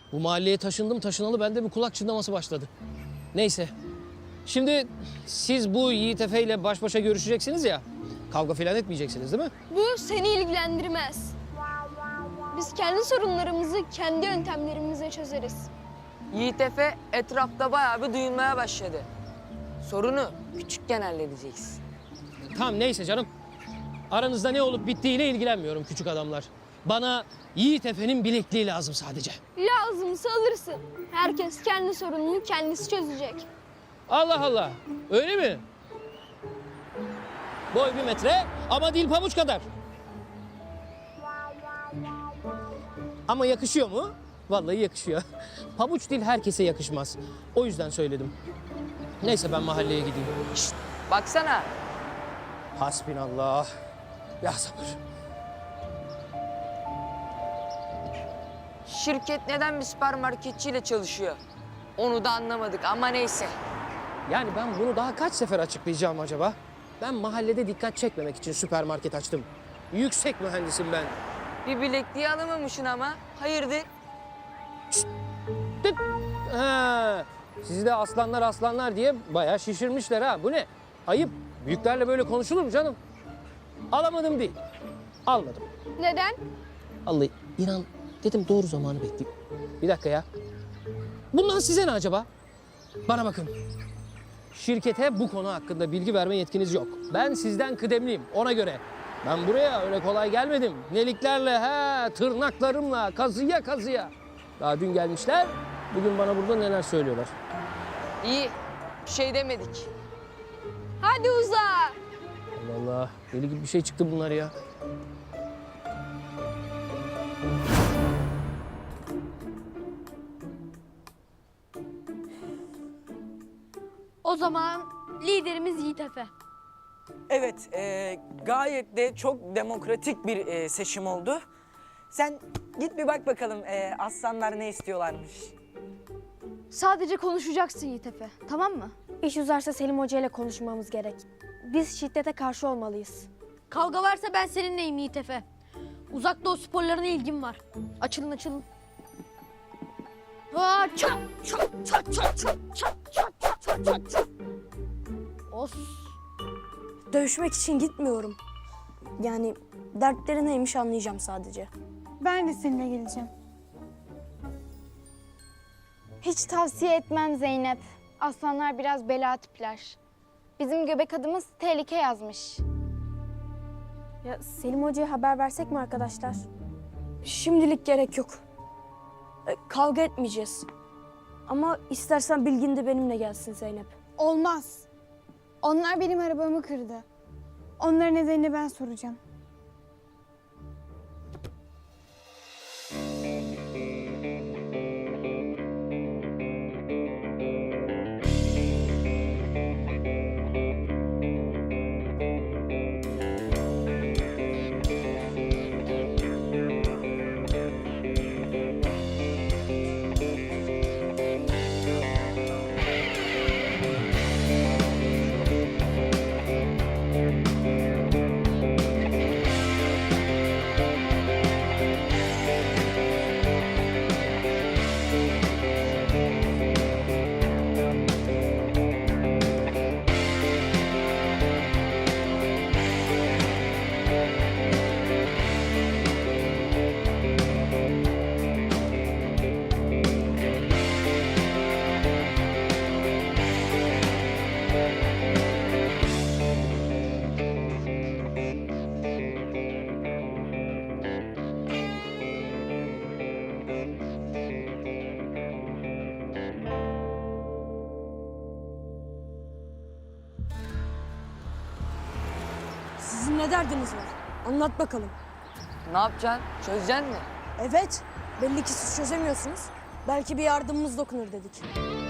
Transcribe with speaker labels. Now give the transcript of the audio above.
Speaker 1: Bu mahalleye taşındım taşınalı bende bir kulak çınlaması başladı. Neyse. Şimdi siz bu Yiğit Efe ile baş başa görüşeceksiniz ya. Kavga falan etmeyeceksiniz değil mi?
Speaker 2: Bu seni ilgilendirmez. Biz kendi sorunlarımızı kendi yöntemlerimizle çözeriz.
Speaker 3: Yiğit Efe etrafta bayağı bir duyulmaya başladı. Sorunu küçükken halledeceğiz.
Speaker 1: Tamam neyse canım. Aranızda ne olup bittiğiyle ilgilenmiyorum küçük adamlar. Bana Yiğit Efe'nin bilekliği lazım sadece.
Speaker 2: Lazımsa alırsın. Herkes kendi sorununu kendisi çözecek.
Speaker 1: Allah Allah. Öyle mi? Boy 1 metre ama dil pabuç kadar. Ama yakışıyor mu? Vallahi yakışıyor. Pabuç dil herkese yakışmaz. O yüzden söyledim. Neyse ben mahalleye gideyim.
Speaker 3: Şşt, baksana.
Speaker 1: Hasbinallah. Ya sabır.
Speaker 3: Şirket neden bir süpermarketçiyle çalışıyor? Onu da anlamadık ama neyse.
Speaker 1: Yani ben bunu daha kaç sefer açıklayacağım acaba? Ben mahallede dikkat çekmemek için süpermarket açtım. Yüksek mühendisim ben.
Speaker 3: Bir bilekliği alamamışsın ama. Hayırdır?
Speaker 1: Tıt. Ha, sizi de aslanlar diye bayağı şişirmişler ha. Bu ne? Ayıp. Büyüklerle böyle konuşulur mu canım? Alamadım değil. Almadım.
Speaker 2: Neden?
Speaker 1: Vallahi inan dedim doğru zamanı bekleyeyim. Bir dakika ya. Bundan size ne acaba? Bana bakın. Şirkete bu konu hakkında bilgi verme yetkiniz yok. Ben sizden kıdemliyim ona göre. Ben buraya öyle kolay gelmedim. Neliklerle, tırnaklarımla, kazıya. Daha dün gelmişler, bugün bana burada neler söylüyorlar.
Speaker 3: İyi. Bir şey demedik.
Speaker 2: Hadi uza.
Speaker 1: Allah Allah, deli gibi bir şey çıktı bunlar ya.
Speaker 2: O zaman liderimiz Yiğit Efe.
Speaker 4: Evet, gayet de çok demokratik bir seçim oldu. Sen git bir bak bakalım aslanlar ne istiyorlarmış.
Speaker 2: Sadece konuşacaksın Yiğit Efe, tamam mı?
Speaker 5: İş uzarsa Selim Hoca ile konuşmamız gerek. Biz şiddete karşı olmalıyız.
Speaker 2: Kavga varsa ben seninleyim Yiğit Efe. Uzak doğu sporlarına ilgim var. Açılın. Aa, çat. Os.
Speaker 5: Dövüşmek için gitmiyorum. Yani dertleri neymiş anlayacağım sadece.
Speaker 6: Ben de seninle geleceğim.
Speaker 7: Hiç tavsiye etmem Zeynep. Aslanlar biraz bela tipler. Bizim göbek adımız tehlike yazmış.
Speaker 5: Ya Selim Hoca'ya haber versek mi arkadaşlar? Şimdilik gerek yok. Kavga etmeyeceğiz. Ama istersen Bilgin de benimle gelsin Zeynep.
Speaker 6: Olmaz. Onlar benim arabamı kırdı. Onların nedenini ben soracağım.
Speaker 5: Sizin ne derdiniz var? Anlat bakalım.
Speaker 3: Ne yapacaksın? Çözeceksin mi?
Speaker 5: Evet, belli ki siz çözemiyorsunuz. Belki bir yardımımız dokunur dedik.